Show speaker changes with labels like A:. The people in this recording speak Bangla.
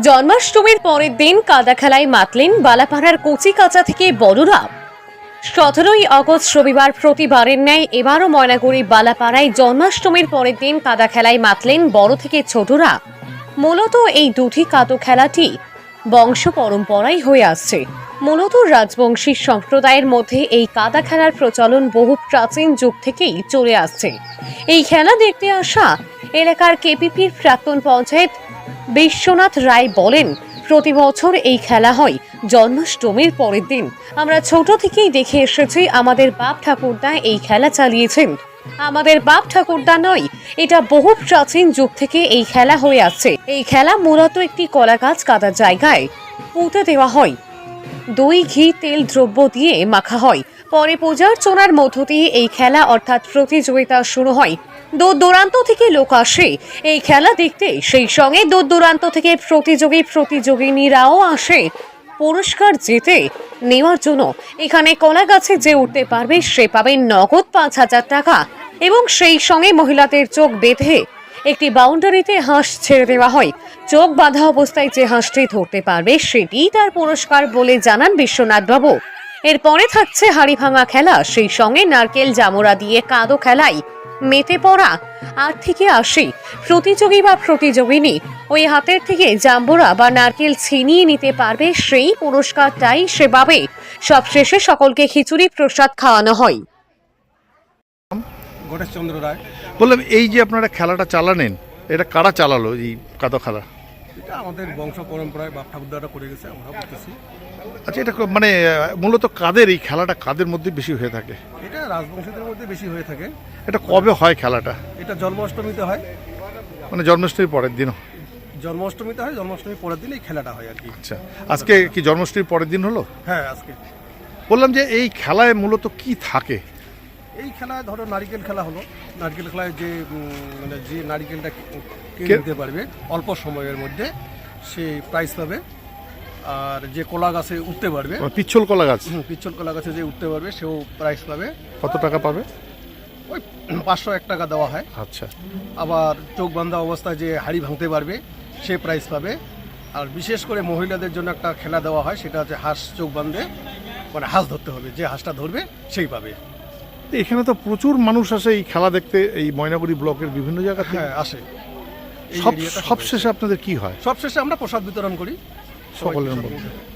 A: জন্মাষ্টমীর পরের দিন কাদা খেলায় মাতলেন বালাপাড়ার কচি কাঁচা থেকে বড়রা। 17ই আগস্ট রবিবার প্রতিবারের ন্যায় এবারও ময়নাগুড়ি বালাপাড়ায় জন্মাষ্টমীর পরের দিন কাদা খেলায় মাতলেন বড় থেকে ছোটরা। মূলত এই দুটি কাদো খেলাটি বংশ পরম্পরাই হয়ে আসছে। মূলত রাজবংশী সম্প্রদায়ের মধ্যে এই কাদা খেলার প্রচলন বহু প্রাচীন যুগ থেকেই চলে আসছে। এই খেলা দেখতে আসা এলাকার কেপিপির প্রাক্তন পঞ্চায়েত বিশ্বনাথ রায় বলেন, প্রতি বছর এই খেলা হয় জন্মাষ্টমীর পরের দিন। আমরা ছোট থেকেই দেখে এসেছি, আমাদের বাপ ঠাকুরদা এই খেলা চালিয়েছেন। আমাদের বাপ ঠাকুরদা নয়, এটা বহু প্রাচীন যুগ থেকে এই খেলা হয়ে আসছে। এই খেলা মূলত একটি কলা গাছ কাদার জায়গায় পুঁতে দেওয়া হয়, দই ঘি তেল দ্রব্য দিয়ে মাখা হয়। পরে পূজার্চনার মধ্য দিয়ে এই খেলা অর্থাৎ প্রতিযোগিতা শুরু হয়। দূর দূরান্ত থেকে লোক আসে এই খেলা দেখতে, সেই সঙ্গে দূর দূরান্ত থেকে প্রতিযোগিনীরাও আসে পুরস্কার জিতে নেওয়ার জন্য। এখানে কলা গাছে যে উঠতে পারবে সে পাবে নগদ 5,000 টাকা এবং সেই সঙ্গে মহিলাদের চোখ বেঁধে একটি বাউন্ডারিতে হাঁস ছেড়ে দেওয়া হয়। চোখ বাঁধা অবস্থায় যে হাঁসটি ধরতে পারবে সেটিই তার পুরস্কার বলে জানান বিশ্বনাথবাবু। এরপরে থাকছে হাড়ি ভাঙা খেলা, সেই সঙ্গে নারকেল জামুরা দিয়ে কাদো খেলায় মেতে পড়া 8 থেকে 80 প্রতিযোগী বা প্রতিযোগিনী ওই হাতের থেকে জাম্বুরা বা নারকেল ছিনিয়ে নিতে পারবে, সেই পুরস্কারটাই সে পাবে। সবশেষে সকলকে খিচুড়ি প্রসাদ খাওয়ানো হয়।
B: গণেশচন্দ্র রায়।
C: বললাম, এই যে আপনারা খেলাটা চালানেন, এটা কারা চালালো এই কাদো খেলা?
B: এটা আমাদের বংশ পরম্পরায় বাপ ঠাকুরদারা করে গেছে, আমরা করতেছি।
C: আচ্ছা, এটা মানে মূলত কাদের এই খেলাটা কাদের মধ্যে বেশি হয়ে থাকে?
B: এটা রাজবংশীদের মধ্যে বেশি হয়ে থাকে।
C: এটা কবে হয় খেলাটা?
B: এটা জন্মাষ্টমীতে হয়,
C: মানে জন্মাষ্টমীর পরের দিন?
B: জন্মাষ্টমীতে হয়, জন্মাষ্টমীর পরের দিন এই খেলাটা হয় আর কি।
C: আচ্ছা, আজকে কি জন্মাষ্টমীর পরের দিন হলো?
B: হ্যাঁ, আজকে।
C: বললাম যে এই খেলায় মূলত কি থাকে?
B: এই খেলায় ধরো নারিকেল খেলা হলো, নারিকেল খেলায় যে মানে যে নারিকেলটা কিনে নিতে পারবে অল্প সময়ের মধ্যে সে প্রাইজ পাবে। আর যে কলা গাছে উঠতে পারবে,
C: পিচ্ছল কলা গাছ,
B: পিচ্ছল কলা গাছে যে উঠতে পারবে সেও প্রাইজ পাবে।
C: কত টাকা পাবে?
B: ওই 501 টাকা দেওয়া হয়।
C: আচ্ছা।
B: আবার চোখ বাঁধা অবস্থায় যে হাড়ি ভাঙতে পারবে সে প্রাইজ পাবে। আর বিশেষ করে মহিলাদের জন্য একটা খেলা দেওয়া হয়, সেটা হচ্ছে হাঁস চোখ বাঁধে, মানে হাঁস ধরতে হবে, যে হাঁসটা ধরবে সেই পাবে।
C: এখানে তো প্রচুর মানুষ আসে এই খেলা দেখতে, এই ময়নাগুড়ি ব্লকের বিভিন্ন জায়গা থেকে।
B: হ্যাঁ, আসে।
C: সবশেষে আপনাদের কি হয়?
B: সবশেষে আমরা প্রসাদ বিতরণ করি
C: সকলের মধ্যে।